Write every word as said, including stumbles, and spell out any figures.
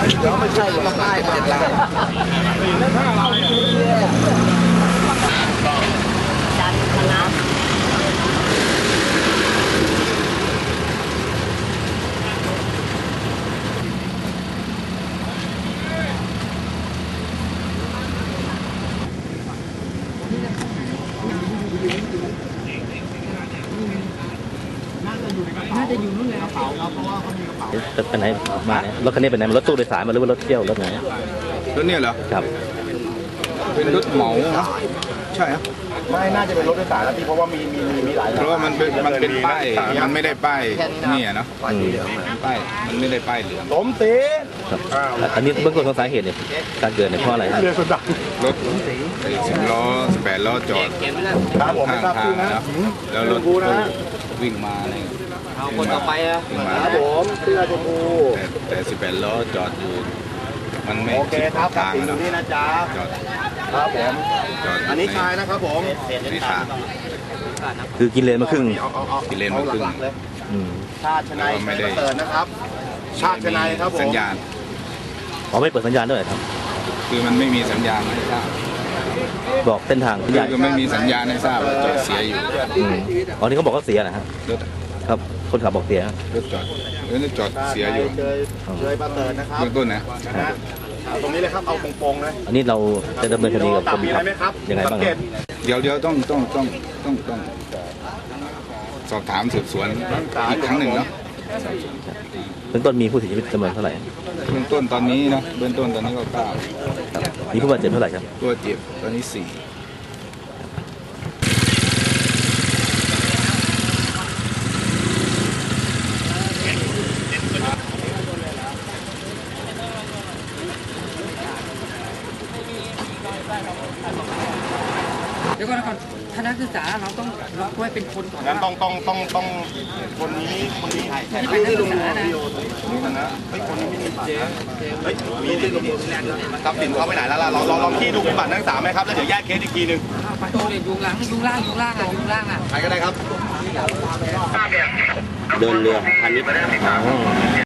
แล้วไม่ใช่ก็ป้ายเจ็ดล้านจันทนะน่าจะอยู่นู่นเลยกระเป๋าครับเพราะว่าเขามีกระเป๋าไปไหนมารถคันนี้เป็นไหนมันรถตู้โดยสารมาหรือว่ารถเที่ยวรถไหนรถเนี่ยเหรอครับเป็นรถเหมาใช่ครับไม่น่าจะเป็นรถโดยสารแล้วพี่เพราะว่ามีมีมีหลายเพราะว่ามันเป็นมันเป็นป้ายมันไม่ได้ป้ายนี่อ่ะเนาะป้ายมันไม่ได้ป้ายเหลืองสมศรีอันนี้เบื้องต้นของสาเหตุเนี่ยการเกิดเนี่ยเพราะอะไรครับรถสิบล้อสิบแปดล้อจอดข้างทางนะแล้วรถตู้วิ่งมาอะไรเอาคนต่อไปอ่ะครับผมเสื้อชมพูแต่แต่สิบแปดล้อจอดอยู่มันไม่โอเคครับทางนี่นะจ๊ะจอดครับผมอันนี้ชายนะครับผมนี่ทางคือกินเลนมาครึ่งกินเลนมาครึ่งชาติชนายไม่ได้เปิดนะครับชาติชนายครับผมสัญญาณอ๋อไม่เปิดสัญญาณด้วยครับคือมันไม่มีสัญญาณให้ทราบบอกเส้นทางคือไม่มีสัญญาณให้ทราบจอดเสียอยู่อ๋อนี่เขาบอกว่าเสียนะฮะครับคนขับบอกเสียรถจอดรถจอดเสียอยู่เคยประเสริฐนะครับเบื้องต้นนะตรงนี้เลยครับเอาโป่งๆเลยอันนี้เราจะดำเนินคดีกับคนขับยังไงบ้างเดี๋ยวเดี๋ยวต้องต้องต้องต้องต้องสอบถามสืบสวนอีกครั้งหนึ่งเนาะเบื้องต้นมีผู้เสียชีวิตจำนวนเท่าไหร่เบื้องต้นตอนนี้นะเบื้องต้นตอนนี้ก็เก้ามีผู้บาดเจ็บเท่าไหร่ครับตัวเจ็บตอนนี้สี่เดี๋ยวก่อนก่อนคณะศึกษาเราต้องล็อกไว้เป็นคนก่อนงั้นต้องต้องต้องต้องคนนี้คนนี้ที่เป็นนักศึกษานะนี่นะไอ้คนนี้ไม่มีบัตรนะเฮ้ยมีที่ทรัพย์สินเขาไปไหนแล้วล่ะเราลองลองที่ดูบัตรนักศึกษาไหมครับแล้วเดี๋ยวแยกเคสอีกทีนึงไปโตเรียนยุงล่างยุงล่างยุงล่างอ่ะยุงล่างอ่ะใครก็ได้ครับเดินเรือพันนิด